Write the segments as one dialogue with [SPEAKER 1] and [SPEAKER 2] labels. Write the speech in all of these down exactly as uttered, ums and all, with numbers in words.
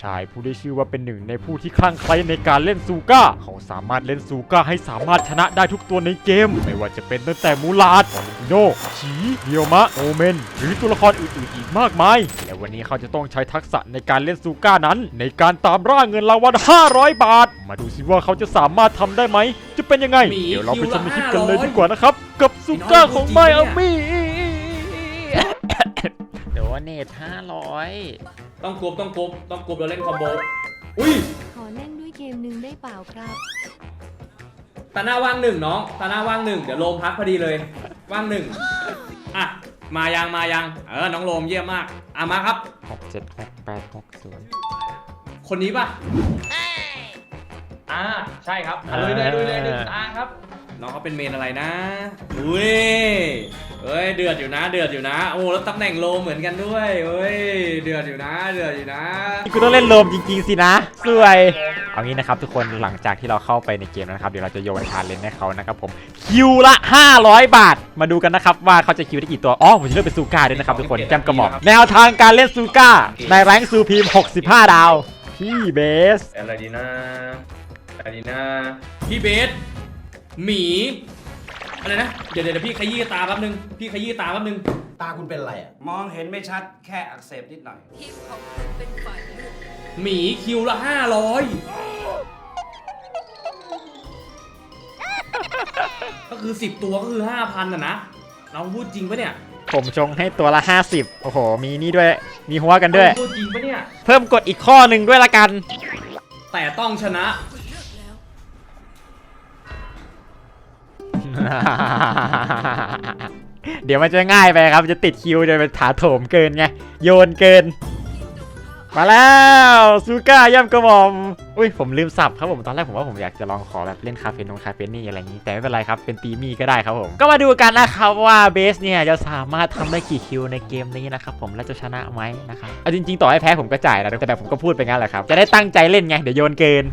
[SPEAKER 1] ชายผู้ได้ชื่อว่าเป็นหนึ่งในผู้ที่คลั่งไคล้ในการเล่นซูก้าเขาสามารถเล่นซูก้าให้สามารถชนะได้ทุกตัวในเกมไม่ว่าจะเป็นตั้งแต่มูลาดโนชีเดียวมะโอเมนหรือตัวละครอื่นๆอีกมากมายและวันนี้เขาจะต้องใช้ทักษะในการเล่นซูก้านั้นในการตามล่าเงินรางวัลห้าร้อยบาทมาดูสิว่าเขาจะสามารถทำได้ไหมจะเป็นยังไงเดี๋ยวเราไปชมคลิปกันเลยดีกว่านะครับกับซูก้าของไมอามี่เดี๋ยวเนทห้าร้อย
[SPEAKER 2] ต้องกรุ๊ปต้องกรุ๊ปต้องกรุ๊ปเราเล่นคอมโบอุ้ย
[SPEAKER 3] ขอเล่นด้วยเกมหนึ่งได้เปล่าครับ
[SPEAKER 2] ตาหน้าว่างหนึ่งน้องตาหน้าว่างหนึ่งเดี๋ยวโลมพักพอดีเลยว่างหนึ่งอ่ะมายังมายังเออน้องโลมเยี่ยมมากอ่ะมาครับ
[SPEAKER 1] หกเจ็ดหกแปดหกศูนย์
[SPEAKER 2] คนนี้ป่ะอ่าใช่ครับลุยเลยลุยเลยหนึ่งตาครับน้องเขาเป็นเมนอะไรนะอุ้ยเฮ้ยเดือดอยู่นะเดือดอยู่นะโอ้แล้วตำแหน่งโลเหมือนกันด้วยเฮ้ยเดือดอยู่นะเดือดอยู่นะ
[SPEAKER 1] กูต้องเล่นโลมจริงๆสินะสวยเอางี้นะครับทุกคนหลังจากที่เราเข้าไปในเกมนะครับเดี๋ยวเราจะโยนชาเลนจ์ให้เขานะครับผมคิวละห้าร้อยบาทมาดูกันนะครับว่าเขาจะคิวได้กี่ตัวอ๋อผมจะเลือกเป็นซูก้าด้วยนะครับทุกคนแจมกระหม่อมแนวทางการเล่นซูก้าในแรงค์ซูพีมหกสิบห้าดาวพี่เบส
[SPEAKER 2] อะไรดีนะอะไรดีนะพี่เบสหมีอะไรนะเดี๋ยวเดี๋ยวพี่ขยี้ตาแป๊บนึงพี่ขยี้ตาแป๊บนึง
[SPEAKER 4] ตาคุณเป็นอะไรอ่ะมองเห็นไม่ชัดแค่อักเสบนิดหน่อยทีมของคุณเป็นฝ่ายเลือก
[SPEAKER 2] หมีคิวละห้าร้อยก็คือสิบตัวก็คือห้าพันอ่ะนะเราพูดจริงปะเนี่ย
[SPEAKER 1] ผมชงให้ตัวละห้าสิบโอ้โหมีนี่ด้วยมีหัวกันด้วย
[SPEAKER 2] พูดจริงปะเนี่ย
[SPEAKER 1] เพิ่มกดอีกข้อหนึ่งด้วยละกัน
[SPEAKER 2] แต่ต้องชนะ
[SPEAKER 1] เดี๋ยวมันจะง่ายไปครับจะติดคิวจะเป็นถาโถมเกินไงโยนเกินมาแล้วซูก้าย่ำกระหม่อมอุ้ยผมลืมสับครับผมตอนแรกผมว่าผมอยากจะลองขอแบบเล่นคาเฟ่นงคาเฟ่นี่อะไรอย่างนี้แต่ไม่เป็นไรครับเป็นตีมี่ก็ได้ครับผมก็มาดูกันนะครับว่าเบสเนี่ยจะสามารถทำได้กี่คิวในเกมนี้นะครับผมและจะชนะไหมนะครับเอาจริงๆต่อให้แพ้ผมก็จ่ายนะแต่แบบผมก็พูดไปงั้นแหละครับจะได้ตั้งใจเล่นไงเดี๋ยวโยนเกิน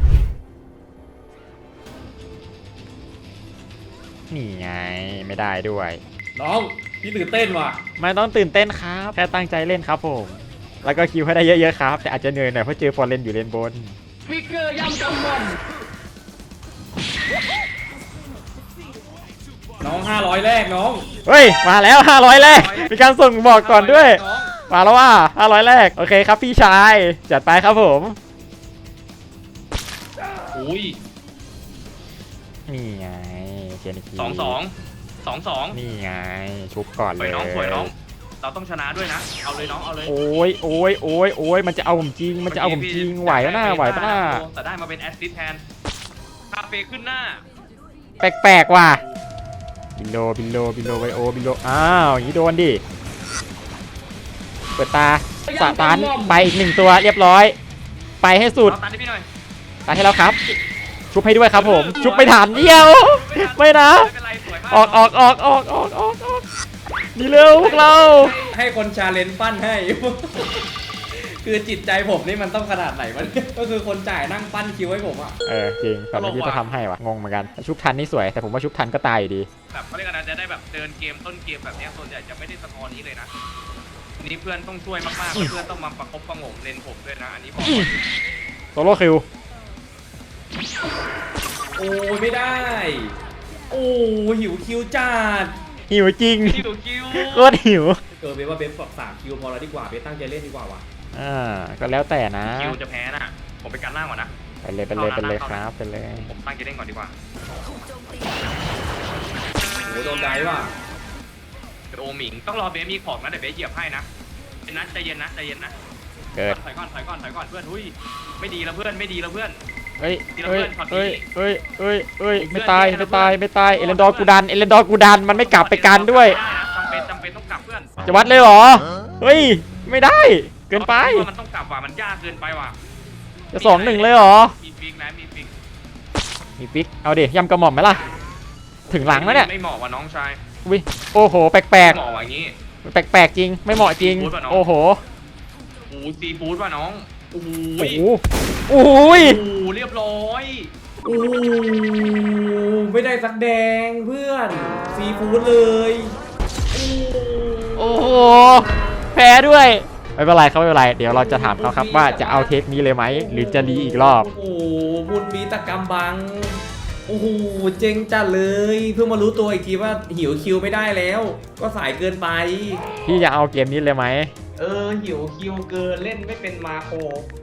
[SPEAKER 1] นี่ไงไม่ได้ด้วย
[SPEAKER 2] น้องพี่ตื่นเต้นว่ะ
[SPEAKER 1] ไม่ต้องตื่นเต้นครับแค่ตั้งใจเล่นครับผมแล้วก็คิวให้ได้เยอะๆครับแต่อาจจะเหนื่อยหน่อยเพราะเจอฟอร์เรนอยู่เลนบน
[SPEAKER 2] ฟิกเกอร์ย่ำกำมันน้องห้าร้อยแรกน้อง
[SPEAKER 1] เฮ้ยมาแล้วห้าร้อยแรกมีการส่งบอกก่อนด้วยมาแล้วว่าห้าร้อยแรกโอเคครับพี่ชายจัดไปครับผม
[SPEAKER 2] อุ้ย
[SPEAKER 1] นี่ไงเจนิคี
[SPEAKER 2] สองสองสองสอง
[SPEAKER 1] นี่ไงชุบก่อนเลย
[SPEAKER 2] น้องสวยน้องเราต้องชนะด้วยนะเอาเลยน้องเอาเลย
[SPEAKER 1] โอ้ยโอ้ยโอ้ยโอ้ยมันจะเอาผมจริงมันจะเอาผมจริงไหวแล้วนะไหวปะน่า
[SPEAKER 2] แต่ได้มาเป็นแอสซิสต์แทนคาเฟ่ขึ้นหน้า
[SPEAKER 1] แปลกๆว่ะบิโลบิโลบิโลไวโอบิโลอ้าวอย่างนี้โดนดิเปิดตาสตาร์ทไปอีกหนึ่งตัวเรียบร้อยไปให้สุดตาให้แล้วครับชุบให้ด้วยครับผมชุบไปฐานเดียวไม่นะออกออกออกออกออกออกออกนี่เร็วพวกเรา
[SPEAKER 2] ให้คนชาเลนจ์ปั้นให้คือจิตใจผมนี่มันต้องขนาดไหนมันก็คือคนจ่ายนั่งปั้นคิวให้ผมอ่ะ
[SPEAKER 1] เออจริงแต่เมื่อกี้จะทำให้วะงงเหมือนกันชุบทันนี่สวยแต่ผมว่าชุบทันก็ตายอยู่ดี
[SPEAKER 2] แบบเขาเรียกกันนะจะได้แบบเดินเกมต้นเกมแบบนี้ส่วนใหญ่จะไม่ได้สกอร์นี้เลยนะนี่เพื่อนต้องช่วยมากๆเพื่อนต้องมาประคบประงมเลนผมด้วยนะอันนี้บอก
[SPEAKER 1] โซโล่คิว
[SPEAKER 2] โอ้ยไม่ได้โอ้หิวคิวจัด
[SPEAKER 1] หิวจริง
[SPEAKER 2] หิวคิว
[SPEAKER 1] โคตรหิว
[SPEAKER 2] เออเบสว่าเบสสามคิวพอแล้วดีกว่าเบสตั้งใจเล่นดีกว่าว่ะ
[SPEAKER 1] อ่าก็แล้วแต่นะ
[SPEAKER 2] คิวจะแพ้น่ะผมไปกันล่างก่อนนะ
[SPEAKER 1] ไปเลยไปเลยไปเลยครับไปเลย
[SPEAKER 2] ผมตั้งใจเล่นก่อนดีกว่าโอ้โดนได้ว่ะโอหมิงต้องรอเบสมีของนะเดี๋ยวเบสเหยียบให้นะเป็นนัดใจเย็นนะใจเย็นนะ
[SPEAKER 1] เกิด
[SPEAKER 2] ถอยก่อนถอยก่อนถอยก่อนเพื่อนหุ้ยไม่ดีแล้วเพื่อนไม่ดีแล้วเพื่อน
[SPEAKER 1] เฮ้ยเฮ้ยเฮ้ยเฮ้ยเฮ้ยเฮ้ยไม่ตายไม่ตายไม่ตายเอเลนดอร์กูดันเอเลนดอร์กูดันมันไม่กลับไปกันด้วย
[SPEAKER 2] จำเป็นจำเป็นต้องกลับเพื่อน
[SPEAKER 1] จะวัดเลยเหรอเฮ้ยไม่ได้เกินไป
[SPEAKER 2] มันต้องกลับว่ะมันยากเกินไปว่ะ
[SPEAKER 1] จะสองหนึ่งเลยเหรอ
[SPEAKER 2] มีฟิกนะมีฟิก
[SPEAKER 1] มีฟิกเอาดิยำกระหม่อมไหมล่ะถึงหลังแล้วเนี่ย
[SPEAKER 2] ไม่เหมาะว่ะน้องชาย
[SPEAKER 1] วิโอ้โหแปลกแปลก
[SPEAKER 2] เหมาะว่ะงี้
[SPEAKER 1] แปลกๆจริงไม่เหมาะจริงโอ้โห
[SPEAKER 2] โอ้ซีฟู้ดว่ะน้องโอ้โห
[SPEAKER 1] โอ้ย
[SPEAKER 2] โอ้เรียบร้อยโอ้ไม่ได้สักแดงเพื่อนซีฟู้ดเลย
[SPEAKER 1] โอ้โหแพ้ด้วยไปไม่เป็นไรครับไม่เป็นไรเดี๋ยวเราจะถามเขาครับว่าจะเอาเทคนี้เลยไหมหรือจะรีอีกรอบ
[SPEAKER 2] โอ้โหบุญมีตะกำบังโอ้โหเจ๋งจัดเลยเพิ่งมารู้ตัวอีกทีว่าหิวคิวไม่ได้แล้ว ก็สายเกินไป
[SPEAKER 1] พี่จะเอาเกมนี้เลยไหม
[SPEAKER 2] เออหิวคิวเกินเล่นไม่เป็นมาโคร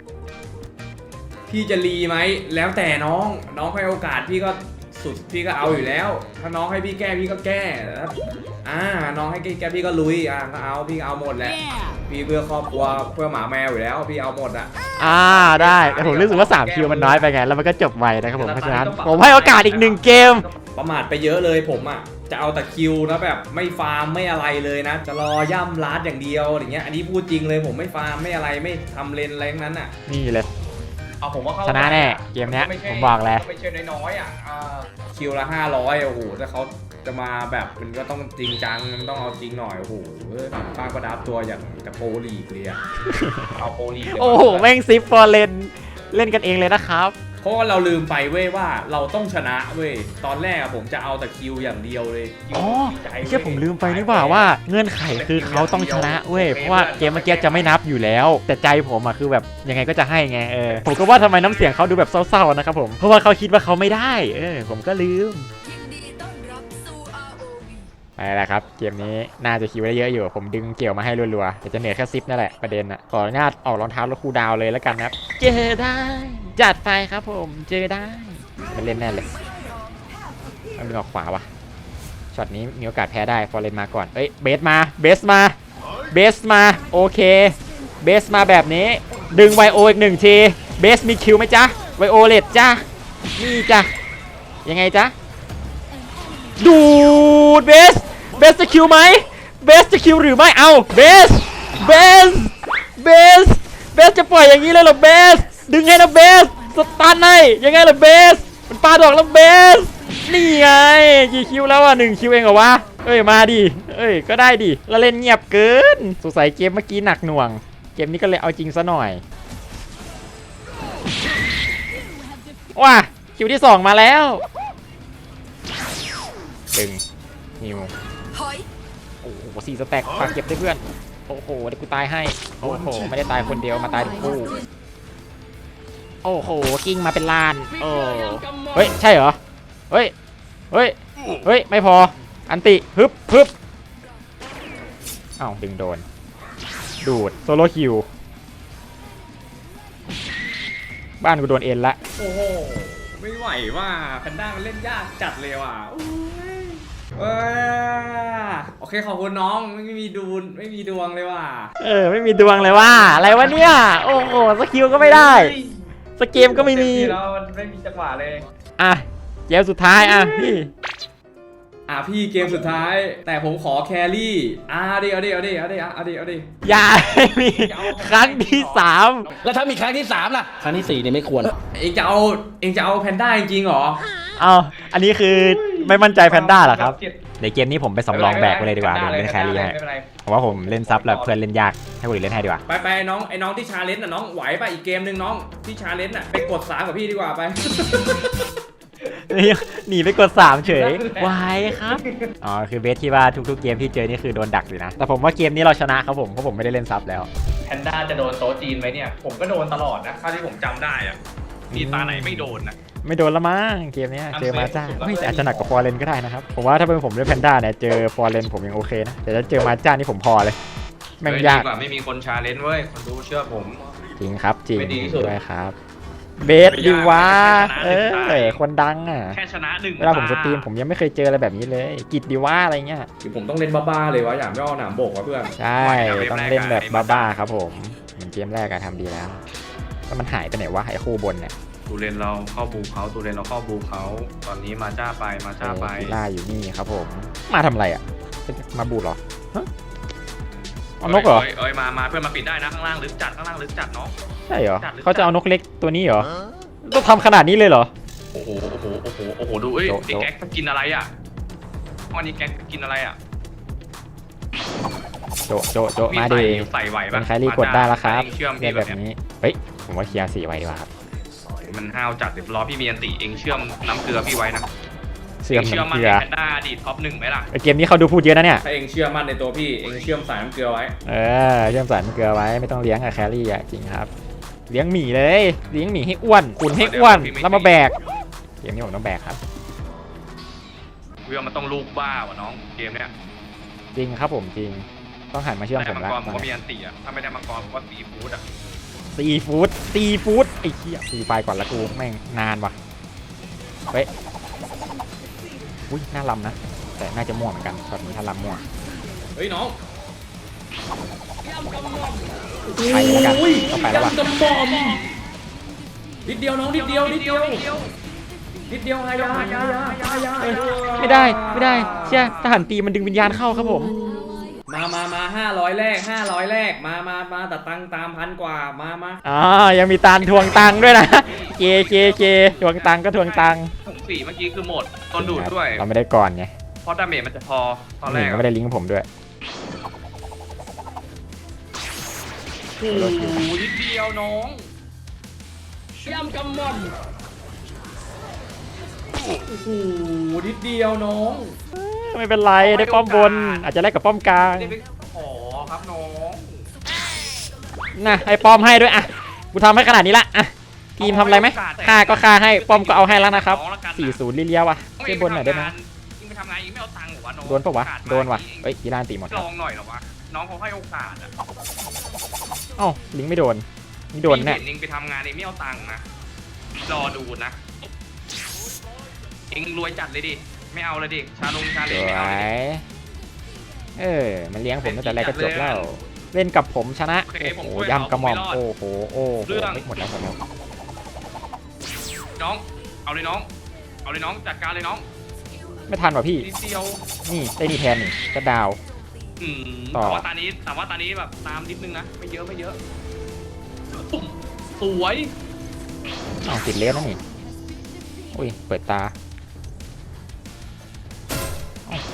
[SPEAKER 2] พี่จะรีไหมแล้วแต่น้องน้องให้โอกาสพี่ก็สุดพี่ก็เอาอยู่แล้ว ถ้าน้องให้พี่แก้พี่ก็แก้อ่าน้องให้แก้พี่ก็ลุยอ่ะก็เอาพี่เอาหมดแหละพี่เพื่อครอบครัวเพื่อหมาแมวอยู่แล้วพี่เอาหมดอ่ะ
[SPEAKER 1] อ่าได้แต่ผมรู้สึกว่าสามคิวมันน้อยไปไงแล้วมันก็จบไวนะครับผมเพราะฉะนั้นผมให้โอกาสอีกหนึ่งเกม
[SPEAKER 2] ประมาทไปเยอะเลยผมอ่ะจะเอาแต่คิวนะแบบไม่ฟาร์มไม่อะไรเลยนะ จะรอย่ำลัดอย่างเดียวอย่างเงี้ยอันนี้พูดจริงเลยผมไม่ฟาร์มไม่อะไรไม่ทำเลนอะไรทั้งนั้นอ่ะ
[SPEAKER 1] นี่เลย
[SPEAKER 2] เอาผมว่าเข้า
[SPEAKER 1] ชนะแน่เกมเนี้ยผมบอกแล้ว
[SPEAKER 2] ไม่ใช่น้อยๆอ่ะอ่าคิวละห้าร้อยโอ้โหถ้าเขาจะมาแบบมันก็ต้องจริงจังมันต้องเอาจริงหน่อยโอ้โหป้าก็ดับตัวอย่างกับโปรลีกเลยอ่ะเอาโปรลีก
[SPEAKER 1] โอ้โหแม่งซิปฟอร์เลนเล่นกันเองเลยนะครับ
[SPEAKER 2] เพราะว่าเราลืมไปเว้ยว่าเราต้องชนะเว้ยตอนแรกอะผมจะเอาแต่คิวอย่างเดียวเลยคิว
[SPEAKER 1] อ๋อ
[SPEAKER 2] ใจ
[SPEAKER 1] เชื่อผมลืมไปนี่หว่าว่าเงื่อนไขคือเขาต้องชนะเว้ยเพราะว่าเกมเมื่อกี้จะไม่นับอยู่แล้ว แต่ใจผมอะคือแบบยังไงก็จะให้ไงเออผมก็ว่าทำไมน้ำเสียงเขาดูแบบเศร้าๆนะครับผมเพราะว่าเขาคิดว่าเขาไม่ได้เออผมก็ลืม
[SPEAKER 3] ยินดีต้อนรับสู่ อาร์ โอ วี
[SPEAKER 1] ไปแล้วครับเกมนี้น่าจะคิวได้เยอะอยู่ผมดึงเกี่ยวมาให้รัวๆแต่จะเหนื่อยแค่ซิปนั่นแหละประเด็นอะขออนุญาตออกรองเท้าแล้วคูลดาวน์เลยแล้วกันนะครับเจอได้จัดไปครับผมเจอได้มันเล่นแน่เลยมันมีออกขวาวะช็อตนี้มีโอกาสแพ้ได้ฟอร์เรนมาก่อนเอ้ยเบสมาเบสมาเบสมาโอเคเบสมาแบบนี้ดึงไวโออีกหนึ่งทีเบสมีคิวไหมจ๊ะไวโอเลตจ้ะนี่จ้ะยังไงจ๊ะดูดเบสเบสจะคิวไหมเบสจะคิวหรือไม่เอาเบสเบสเบสเบสจะปล่อยอย่างนี้เลยเหรอเบสดึงให้นะเบสสตันให้ยังไงล่ะเบสมันปาดอกแล้วเบสนี่ไงกี่คิวแล้วอ่ะหนึ่งคิวเองเหรอวะเอ้ยมาดิเอ้ยก็ได้ดิแล้วเล่นเงียบเกินสงสัยเกมเมื่อกี้หนักหน่วงเกมนี้ก็เลยเอาจริงซะหน่อยว้าคิวที่สองมาแล้วดึงนิว
[SPEAKER 3] ถอย
[SPEAKER 1] โอ้โหสี่สแต็กฝากเก็บด้วยเพื่อนโอ้โหเดี๋ยวกูตายให้โอ้โหไม่ได้ตายคนเดียวมาตายทั้งคู่โอ้โหกิ้งมาเป็นล้านโอ้เฮ้ยใช่เหรอเฮ้ยเฮ้ยเฮ้ยไม่พออันติฮึบฮึบอ้าวดึงโดนดูดโซโล่คิวบ้านกูโดนเอ็นละ
[SPEAKER 2] โอ้โหไม่ไหวว่าแพนด้ามันเล่นยากจัดเลยว่ะอุ้ยเอ้ยโอเคขอบคุณน้องไม่มีดูนไม่มีดวงเลยว่ะ
[SPEAKER 1] เออไม่มีดวงเลยว่าอะไรวะเนี่ยโอ้โหสกิลก็ไม่ได้สเกมก็ไม่มี
[SPEAKER 2] แล้วมันไม่มีจังหวะเลย
[SPEAKER 1] อ่ะเกมสุดท้ายอ่ะพี่
[SPEAKER 2] อ่ะพี่เกมสุดท้าย แต่ผมขอแครี่อ่ะเอาดิเอาดิเอาดิเอาดิเอาดิเอาดิ
[SPEAKER 1] อย่าให้มีครั้งที่สาม
[SPEAKER 5] แล้วถ้ามีครั้งที่สามล่ะ ครั้งที่สี่เนี่ยไม่ควร
[SPEAKER 2] เองจะเอาเองจะเอาแพนด้าจริงๆเหรอ
[SPEAKER 1] เอาอันนี้คือไม่มั่นใจแพนด้าเหรอครับในเกมนี้ผมไปสำรองแบกไปเลยดีกว่าเดี๋ยวเล่นแครี่ให้
[SPEAKER 2] ไม่เป็นไร
[SPEAKER 1] เพราะว่าผมเล่นซับแล้วเพื่อนเล่นยากให้คนอื่นเล่นให้ดีกว่า
[SPEAKER 2] ไปไปน้องไอ้น้องที่ชาเลนจ์น่ะน้องไหวป่ะอีกเกมหนึ่งน้องที่ชาเลนจ์น่ะไปกดสามกับพี่ดีกว่าไป
[SPEAKER 1] หนีไปกดสามเฉยวายครับอ๋อคือเบสที่ว่าทุกๆเกมที่เจอนี่คือโดนดักอยู่นะแต่ผมว่าเกมนี้เราชนะครับผมเพราะผมไม่ได้เล่นซับแล้ว
[SPEAKER 2] แพนด้าจะโดนโต๊ะจีนไหมเนี่ยผมก็โดนตลอดนะเท่าที่ผมจำได้อะมีตาไหนไม่โดนนะ
[SPEAKER 1] ไม่โดนละมั้งเกมเนี้ยเจอมาจ้าไม่แต่อาจจะหนักกว่าฟอร์เรนก็ได้นะครับผมว่าถ้าเป็นผมเล่นแพนด้าเนี่ยเจอฟอร์เรนผมยังโอเคนะแต่ถ้าเจอมาจ้านี่ผมพอเลยแม่งยาก
[SPEAKER 2] ดีกว่าไม่มีคนชาเลนจ์เว้ยคนดูเชื่อผม
[SPEAKER 1] จริงครับจริง
[SPEAKER 2] ไม่ดีที่สุด
[SPEAKER 1] ด้วยครับเบสดีวะเออคนดังอ่ะ
[SPEAKER 2] แค่ชนะหนึ่ง
[SPEAKER 1] เวลาผมสตรีมผมยังไม่เคยเจออะไรแบบนี้เลยกิจดีวะอะไรเงี้ย
[SPEAKER 2] คือผมต้องเล่นบ้าๆเลยวะอย่างไม่เอาหนามโบกวะเพื่อน
[SPEAKER 1] ใช่ต้องเล่นแบบบ้าๆครับผมเหมือนเกมแรกอะทำดีแล้วแล้วมันหายไปไหนวะไอ้คู่บนเนี่ย
[SPEAKER 2] ตูเรนเราเข้าบูเขาตูเรนเราเข้าบูเขาตอนนี้มาจ้าไปมาจ้าไป
[SPEAKER 1] กีล่าอยู่นี่ครับผมมาทำอะไรอ่ะมาบูดเหรอฮะเอานกเหรอ
[SPEAKER 2] เอ้ยเอ้ยมามาเพื่อนมาปิดได้นะข้างล่างลึกจัดข้างล่างลึกจัดเนาะ
[SPEAKER 1] ใช่เหรอ
[SPEAKER 2] จัดหรือ
[SPEAKER 1] เขาจะเอานกเล็กตัวนี้เหรอต้องทำขนาดนี้เลยเหรอ
[SPEAKER 2] โอ้โหโอ้โหโอ้โหโอ้โหดูเอ้ย
[SPEAKER 1] โจ๊ะ
[SPEAKER 2] ไอ้แก๊กมันกินอะไรอ่ะวันนี้แก๊กกินอะไรอ่ะ
[SPEAKER 1] โจะโจะโจะมาดิ
[SPEAKER 2] ใส่ไหว
[SPEAKER 1] เป็
[SPEAKER 2] ปะ
[SPEAKER 1] นใครรีกดได้แล้วครับ
[SPEAKER 2] เชื่อม
[SPEAKER 1] เรี
[SPEAKER 2] พี่
[SPEAKER 1] ยก
[SPEAKER 2] แบ
[SPEAKER 1] แบบ บ
[SPEAKER 2] นี้
[SPEAKER 1] นี้เฮ้ยผมว่าเคลียร์สี่ไว้ดีกว่าครับ
[SPEAKER 2] มันห้าวจัดเดี๋ยวรอพี่มีอันติเองเชื่อมน้ำเกลือพี่ไว้นะ
[SPEAKER 1] เชื่อม
[SPEAKER 2] เชื่อ
[SPEAKER 1] น้ำ
[SPEAKER 2] มั่
[SPEAKER 1] เก
[SPEAKER 2] น
[SPEAKER 1] ลื
[SPEAKER 2] ใน
[SPEAKER 1] อ
[SPEAKER 2] แพนด้าอดีตท็อปหนึ่งไหมล่ะ
[SPEAKER 1] ไอเกมนี้เขาดูพูดเยอะนะเนี่ย
[SPEAKER 2] ถ้าเองเชื่อมั่นในตัวพี่เองเชื่อมสายน้ำเกลือไว้
[SPEAKER 1] เออเชื่อมสายน้ำเกลือไว้ไม่ต้องเลี้ยงอะแครี่อะจริงครับ เลี้ยงหมีเลยเลี้ยงหมีให้อ้วนอุ่นให้อ้วนแล้วมาแบกเกมนี้ผมต้องแบกครับ
[SPEAKER 2] เรื่องมันต้องลูกบ้าวะน้องเกมเนี้ย
[SPEAKER 1] จริงครับผมจริงต้องหันมาเชื่อม
[SPEAKER 2] ได้
[SPEAKER 1] ผม
[SPEAKER 2] มัง
[SPEAKER 1] แล้ว
[SPEAKER 2] กรผมก็มีอันติอ่ะถ้าไม่ได้มังกรผมก็ซีฟู้ดอ่ะ
[SPEAKER 1] ซีฟู้ดซีฟู้ดไอ้เหี้ยซีไฟก่อนละกูแม่งนานว่ะเฮ้ยอุ้ยน่าลำนะแต่น่าจะม่วงเหมือนกันช็อตนี้ถ้าลำม่วง
[SPEAKER 2] เฮ้ยน้อง
[SPEAKER 1] ไปแล้วกันต้องไปแล้วว่ะ
[SPEAKER 2] ยำกระหม่อมนิดเดียวน้องนิดเดียวนิดเดียวนิดเดียวฮายาฮายาฮายา
[SPEAKER 1] เอ้ยไม่ได้ไม่ได้เชี่ยทหารตีมันดึงวิญญาณเข้าครับผม
[SPEAKER 2] มามามาห้าร้อยแรกห้าร้อยแรกมามามาแต่ตังค์ตามพันกว่ามามา
[SPEAKER 1] อ๋อยังมีตาลทวงตังค์ด้วยนะเกเกเกทวงตังค์ก็ทวงตังค์
[SPEAKER 2] ถุงสี่เมื่อกี้คือหมดต้นดูดด้วย
[SPEAKER 1] เราไม่ได้ก่อนไง
[SPEAKER 2] เพราะดาเมจมันจะพอตอนแร
[SPEAKER 1] นี่
[SPEAKER 2] ก
[SPEAKER 1] ก็ไม่ได้ลิงก์ผมด้วย
[SPEAKER 2] โอ้โหนิดเดียวน้องยำกระหม่อมโอ้โหนิดเดียวน้อง
[SPEAKER 1] ไม่เป็นไรได้ป้อมบนอาจจะแลกกับป้อมกลาง
[SPEAKER 2] ไม่ได้ไปขอครับน้อง
[SPEAKER 1] นะให้ป้อมให้ด้วยอ่ะกูทำให้ขนาดนี้ละอ่ะทีมทำอะไรไหมฆ่าก็ฆ่าให้ป้อมก็เอาให้แล้วนะครับสี่ศูนย์ลิเลียวอ่ะช่วยบนหน่อยได้ไหม
[SPEAKER 2] ยิงไปทำงานยิงไม่เอาตังค์หรอวะน้อง
[SPEAKER 1] โดนปะวะโดนวะเอ้ยกีฬาตีหมดค
[SPEAKER 2] ล
[SPEAKER 1] รับ
[SPEAKER 2] องหน่อยเหรอวะน้องเขาให้โอกาสอะ
[SPEAKER 1] เอ้าลิงก์ไม่โดนนี่โดนแน่
[SPEAKER 2] เห็นยิงไปทำงานเองไม่เอาตังค์นะรอดูนะเองรวยจัดเลยดิไม่เอาเลยดิชาลงชา
[SPEAKER 1] ส
[SPEAKER 2] เลน
[SPEAKER 1] ว
[SPEAKER 2] ไม่เอาเลยดิ
[SPEAKER 1] ยเออมันเลี้ยงผมตั้งแต่แรกก็จบแล้วเล่นกับผมชนะโอ้โหยำกระหม่อมโอ้โหโอ้โหหมดแล้วหมดแล้ว
[SPEAKER 2] น้องเอาเลยน้องเอาเลยน้องจัดการเลยน้อง
[SPEAKER 1] ไม่ทันว่ะพี่
[SPEAKER 2] นิดเดียว
[SPEAKER 1] นี่ได้นี่แทนนี่ก็ดาว
[SPEAKER 2] อืม
[SPEAKER 1] ต่อ
[SPEAKER 2] แต่ว่าตอนนี้แต่ว่าตอนนี้แบบตามนิดนึงนะไม่เยอะไม่เยอะปุ๊บสวย
[SPEAKER 1] อ้าวติดเลสแล้วนี่อุ้ยเปิดตาอ้าว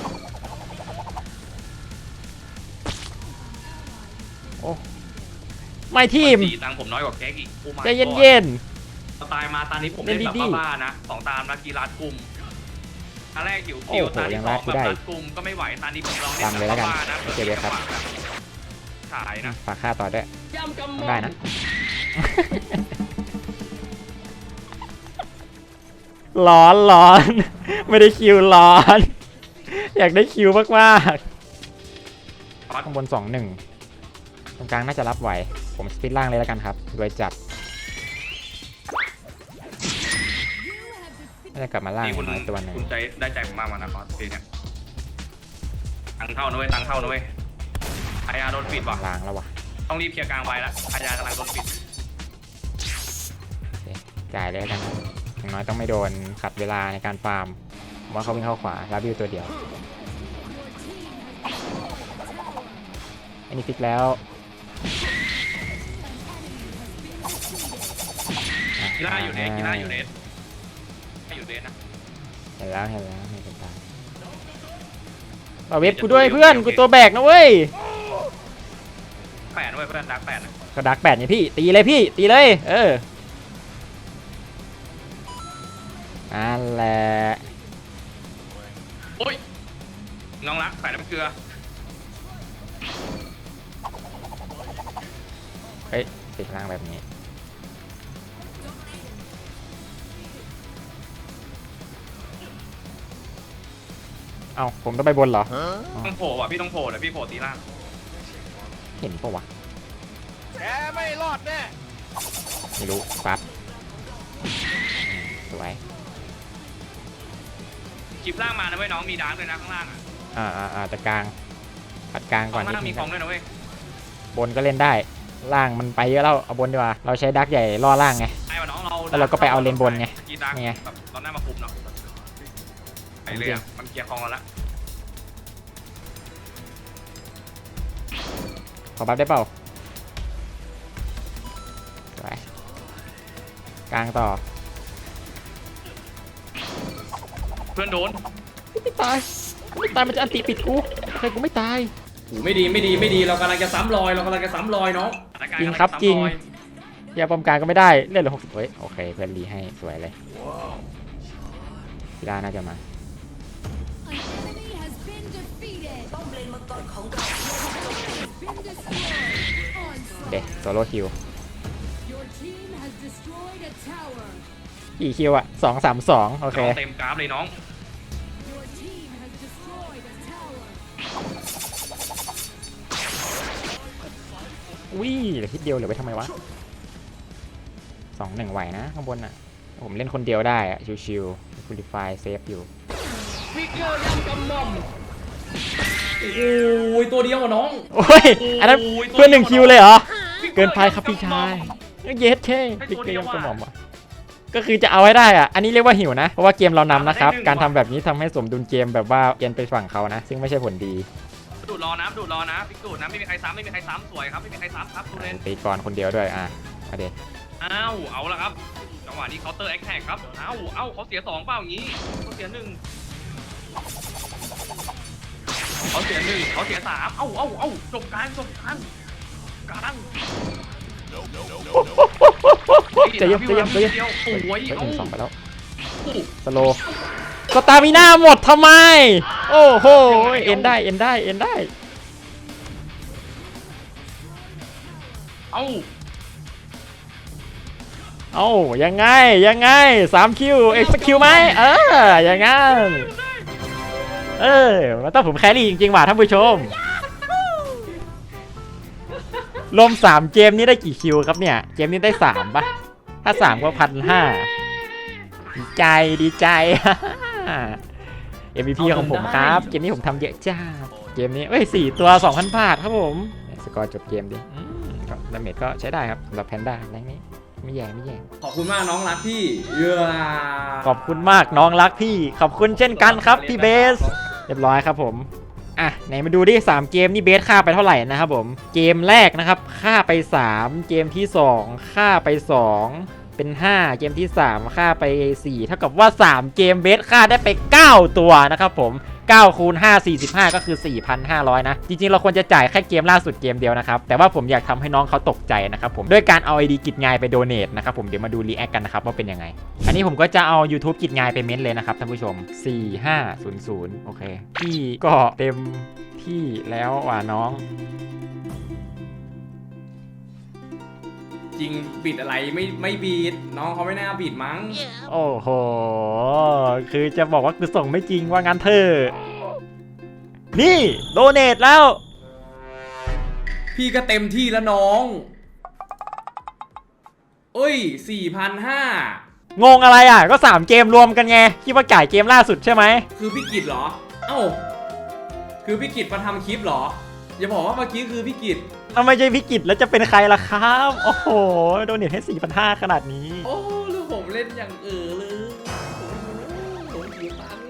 [SPEAKER 1] โอ้ไม่ทีม
[SPEAKER 2] ตีตังค์ผมน้อยกว่าแก๊กอีกโอ้ my
[SPEAKER 1] ใจเย็น
[SPEAKER 2] god
[SPEAKER 1] เย็น
[SPEAKER 2] ตายมาตอนนี้ผมเล่นแบบ
[SPEAKER 1] เล่นดีๆ
[SPEAKER 2] บ้าๆนะสองตามนักกีฬากลุ่มตอนแรกหิว
[SPEAKER 1] โอ้
[SPEAKER 2] คิว
[SPEAKER 1] โห
[SPEAKER 2] ตอน
[SPEAKER 1] ยั
[SPEAKER 2] ที่
[SPEAKER 1] ง
[SPEAKER 2] ส
[SPEAKER 1] รั
[SPEAKER 2] อง
[SPEAKER 1] ดกู
[SPEAKER 2] แบบ
[SPEAKER 1] ได้
[SPEAKER 2] รัดกลุ่มก็ไม่ไหวตอนนี้ผมลองเล่น
[SPEAKER 1] ตามเลยแล้วกัน
[SPEAKER 2] บ้าๆนะ
[SPEAKER 1] โอเคเลยครับ
[SPEAKER 2] ขายนะ
[SPEAKER 1] ฝากค่าต่อด้วย
[SPEAKER 2] ยำกำ
[SPEAKER 1] ต้องได้นะ ร้อนร้อน ไม่ได้คิวร้อน อยากได้คิวมากมากๆข้างบนสองหนึ่งตรงกลางน่าจะรับไหว ผมสปิดล่างเลยแล้วกันครับรวยจัดน่าจะกลับมาล่าง
[SPEAKER 2] นี่คุณ
[SPEAKER 1] น้อยตัวหนึ่ง
[SPEAKER 2] คุณใจได้ใจผมมากมานะครับทีเนี้ยตังค์เข้านะเว้ยตังค์เข้านะเว้ยไอยาโดนปิดว่ะ
[SPEAKER 1] ล่างแล้ววะ
[SPEAKER 2] ต้องรีบเคลียร์กลางไว้แล้วไอยากำลังโดนปิด
[SPEAKER 1] โอเคจ่ายเลยแล้วกันครับอย่างน้อยต้องไม่โดนขัดเวลาในการฟาร์มผมว่าเขาวิ่งเข้าขวาลาบิวตัวเดียวอันนี้ฟิกแล้ว
[SPEAKER 2] กีฬาอยู่เนสกีฬาอยู่เนสให้อยู่เนสนะ
[SPEAKER 1] เห็นแล้วเห็นแล้วเห็นเป็นตาเอาเว็บกูด้วยเพื่อนกูตัวแบกนะเว้ย
[SPEAKER 2] แปดด้วยเพื่อนดักแปดนะ
[SPEAKER 1] ก็ดักแปดไงพี่ตีเลยพี่ตีเลยเออนั่นแหละ
[SPEAKER 2] โอ้ยน้องรักใส่น้ำเกลือ
[SPEAKER 1] เฮ้ยติดล่างแบบนี้เอ้าผมต้องไปบนเหรอ
[SPEAKER 2] ต้องโผล่ว่ะพี่ต้องโผล่เลยพี่โผล่ตีล่าง
[SPEAKER 1] เห็นปะวะ
[SPEAKER 2] แกไม่รอดแน่
[SPEAKER 1] ไม่รู้ปั๊บสวย
[SPEAKER 2] คลิปล่างมานะเว้ยน้องมีดาร์กเลยนะข้างล่างอ่ะ
[SPEAKER 1] อ่าอ่าอ่าแต่กลางปัดกลางก่อ
[SPEAKER 2] ข้าน ง
[SPEAKER 1] นิด
[SPEAKER 2] ล่าง
[SPEAKER 1] นึ
[SPEAKER 2] มี
[SPEAKER 1] ง
[SPEAKER 2] ของด้วยนะเว้ย
[SPEAKER 1] บนก็เล่นได้ล่างมันไปเยอะแล้วเอาบนดีกว่าเราใช้ดักใหญ่ล่อล่างไง
[SPEAKER 2] ไอ้วะน้องเรา
[SPEAKER 1] แล้วเราก็ไปเอาเลนบนไง
[SPEAKER 2] กีดาร์ก
[SPEAKER 1] ไง
[SPEAKER 2] แบบเราหน้ามาคุมเนาะไอ้เรื่องมันเคลียร์คลองเราละ
[SPEAKER 1] ขอบัฟได้เปล่าสวยกลางต่อ
[SPEAKER 2] เพื่อนโดน
[SPEAKER 1] ไม่ตายไม่ตายมันจะอันติปิดกูใครกูไม่ตาย
[SPEAKER 2] โอ้ไม่ดีไม่ดีไม่ดีเรากำลังจะซ้ำรอยเรากำลังจะซ้ำรอยน้อง
[SPEAKER 1] จริงครับจริง ยาปอมกลางก็ไม่ได้เล่นเหลือหกสิบเฮ้ยโอเคเพื่อนรีให้สวยเลยกีฬาน่าจะมา
[SPEAKER 3] ของเรา
[SPEAKER 1] เด็กโซโล่คิว
[SPEAKER 6] Your team has destroyed a tower.
[SPEAKER 1] กี่คิวอะสองสามสองโอเค
[SPEAKER 2] เต็มกราฟเลยน้อง
[SPEAKER 6] Your team has destroyed a tower.
[SPEAKER 1] วิ่เหลือทิศเดียวเหลือไปทำไมวะสองหนึ่งไหวนะข้างบนอะผมเล่นคนเดียวได้อะชิวๆคูลิฟายเซฟอยู่
[SPEAKER 2] ฟิกเกอร์ยังกำมอมโอ้ยตัวเดียวอะน้อง
[SPEAKER 1] โอ้ยอันนั้น
[SPEAKER 2] โอ้ย
[SPEAKER 1] เพื่อนหนึ่งคิวเลยเหรอ เกินไปครับพี่
[SPEAKER 2] ฟิกเกอ
[SPEAKER 1] ชา
[SPEAKER 2] ร์
[SPEAKER 1] ยเย็ดเช่
[SPEAKER 2] ให้
[SPEAKER 1] ปิก
[SPEAKER 2] ตัว
[SPEAKER 1] เก
[SPEAKER 2] เดี
[SPEAKER 1] ย
[SPEAKER 2] ยว
[SPEAKER 1] ม
[SPEAKER 2] อะ
[SPEAKER 1] กระหม่อมอะก็คือจะเอาให้ได้อะอันนี้เรียกว่าหิวนะเพราะว่าเกมเรานำนะครับ
[SPEAKER 2] ได้หนึ่ง
[SPEAKER 1] การทำแบบนี้ทำให้สมดุลเกมแบบว่าเอียนไปฝั่งเขานะ ซึ่งไม่ใช่ผลดี
[SPEAKER 2] ดูดรอนะดูดรอนะฟิกดูดนะไม่มีใครซ้ำไม่มีใครซ้ำสวยครับไม่มีใครซ้ำครับดูเลน
[SPEAKER 1] ตีก่อนคนเดียวด้วยอ่ะมาเด็
[SPEAKER 2] อ้าวเอาละครับจังหวะนี้เคาน์เตอร์แอคแท็กครับเอ้าเอ้าเขาเสียสองเปล่าอย่างนี้เขาเสียหนึ่งเขาเสียหนึ่งเขาเสียสามเอ้าเอ้าเอ้าจบกลางจบกลางกลาง
[SPEAKER 1] ใจเย็นใจเย็นใจเย็น
[SPEAKER 2] เดียวโอ้ย
[SPEAKER 1] เฮ้ยห
[SPEAKER 2] เอ้า
[SPEAKER 1] นึ่งสองไปแล้วสโลสตามิน่าหมดทำไมโอ้โหเอ็นได้เอ็นได้เอ็นได้
[SPEAKER 2] เอ้า
[SPEAKER 1] เอ้ายังไงยังไงสามคิวเอ็กซ์คิวไหมเอออย่างงั้นเออมันต้องผมแครี่จริงๆว่ะท่านผู้ชมรวมสามเกมนี้ได้กี่คิวครับเนี่ยเกมนี้ได้สามปะถ้าสามก็พันห้าดีใจดีใจ เอ็ม วี พี ของผมครับเกมนี้ผมทำเยอะจ้าเกมนี้เอ้ยสี่ตัว สองพัน บาทครับผมสกอร์จบเกมดิอืมก็ดาเมจก็ใช้ได้ครับสำหรับแพนด้าแรงนี้ไม่แย่ไม่แย่
[SPEAKER 2] ขอบคุณมากน้องรักพี่เย้
[SPEAKER 1] ขอบคุณมากน้องรักพี่ขอบคุณเช่นกันครับพี่เบสเรียบร้อยครับผมอ่ะไหนมาดูดิสามเกมนี่เบสฆ่าไปเท่าไหร่นะครับผมเกมแรกนะครับฆ่าไปสามเกมที่สองฆ่าไปสองเป็นห้าเกมที่สามฆ่าไปสี่เท่ากับว่าสามเกมเบสฆ่าได้ไปเก้าตัวนะครับผมเก้าคูณห้า สี่สิบห้าก็คือ สี่พันห้าร้อย นะจริงๆเราควรจะจ่ายแค่เกมล่าสุดเกมเดียวนะครับแต่ว่าผมอยากทำให้น้องเขาตกใจนะครับผมด้วยการเอา ไอ ดี กิจงายไปโดเนทนะครับผมเดี๋ยวมาดูรีแอคกันนะครับว่าเป็นยังไงอันนี้ผมก็จะเอา YouTube กิจงายไปเม้นเลยนะครับท่านผู้ชมสี่ห้าศูนย์ศูนย์โอเคพี่ก็เต็มที่แล้วว่ะน้อง
[SPEAKER 2] จริงบิดอะไรไม่ไม่บีดน้องเขาไม่น่าบีดมั้ง
[SPEAKER 1] โอ้โหคือจะบอกว่าคือส่งไม่จริงว่างั้นเถอะนี่โดเนทแล้ว
[SPEAKER 2] พี่ก็เต็มที่แล้วน้องเอ้ย สี่พันห้าร้อย
[SPEAKER 1] งงอะไรอ่ะก็สามเกมรวมกันไงคิดว่าจ่ายเกมล่าสุดใช่ไหม
[SPEAKER 2] คือพี่กิจเหรอ เอ้า คือพี่กิจมาทำคลิปเหรอ อย่าบอกว่าเมื่อกี้คือพี่กิจ
[SPEAKER 1] ถ้าไม่ใช่พิกิจแล้วจะเป็นใครล่ะครับโอ้โหโดเนทให้ สี่พันห้าร้อย ขนาดนี้
[SPEAKER 2] โอ้แล้วผมเล่นอย่างเออเลยโอ้โหหิวตังค์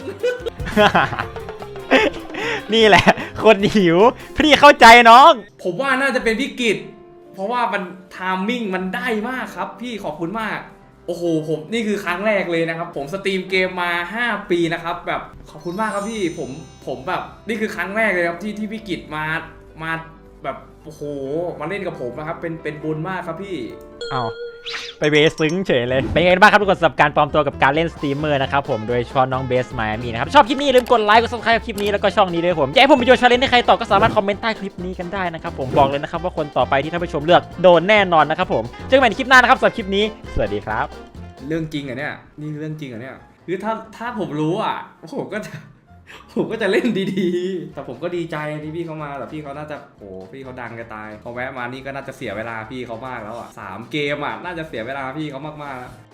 [SPEAKER 1] นี่แหละคนหิวพี่เข้าใจน้อง
[SPEAKER 2] ผมว่าน่าจะเป็นพี่กิจเพราะว่ามันไทามมิ่งมันได้มากครับ พี่ขอบคุณมาก โอ้โหผมนี่คือครั้งแรกเลยนะครับ ผมสตรีมเกมมาห้าปีนะครับแบบขอบคุณมากครับพี่ผมผมแบบนี่คือครั้งแรกเลยครับที่ที่พี่กิจมามาแบบโอ้โหมาเล่นกับผมนะครับเป็นเป็นบุญมากครับพี่
[SPEAKER 1] เอาไปเบสซึ้งเฉยเลยเป็นไงบ้างครับทุกคนสำหรับการปลอมตัวกับการเล่นสตรีมเมอร์นะครับผมโดยเฉพาะน้องเบสมามีนะครับชอบคลิปนี้อย่าลืมกดไลค์กดซับสไครป์คลิปนี้แล้วก็ช่องนี้ด้วยผมอยากให้ผมไปโยนชาเลนจ์ให้ใครต่อก็สามารถคอมเมนต์ใต้คลิปนี้กันได้นะครับผมบอกเลยนะครับว่าคนต่อไปที่ท่านผู้ชมเลือกโดนแน่นอนนะครับผมเจอกันใหม่ในคลิปหน้านะครับสำหรับคลิปนี้สวัสดีครับ
[SPEAKER 2] เรื่องจริงเหรอเนี่ยนี่เรื่องจริงเหรอเนี่ยคือถ้าถ้าผมรู้อ่ะผมก็จะ ผมก็จะเล่นดีๆแต่ผมก็ดีใจที่พี่เขามาแต่พี่เขาน่าจะโอ้พี่เขาดังจะตายพอแวะมานี่ก็น่าจะเสียเวลาพี่เขามากแล้วอ่ะสามเกมอ่ะน่าจะเสียเวลาพี่เขามากๆแล้ว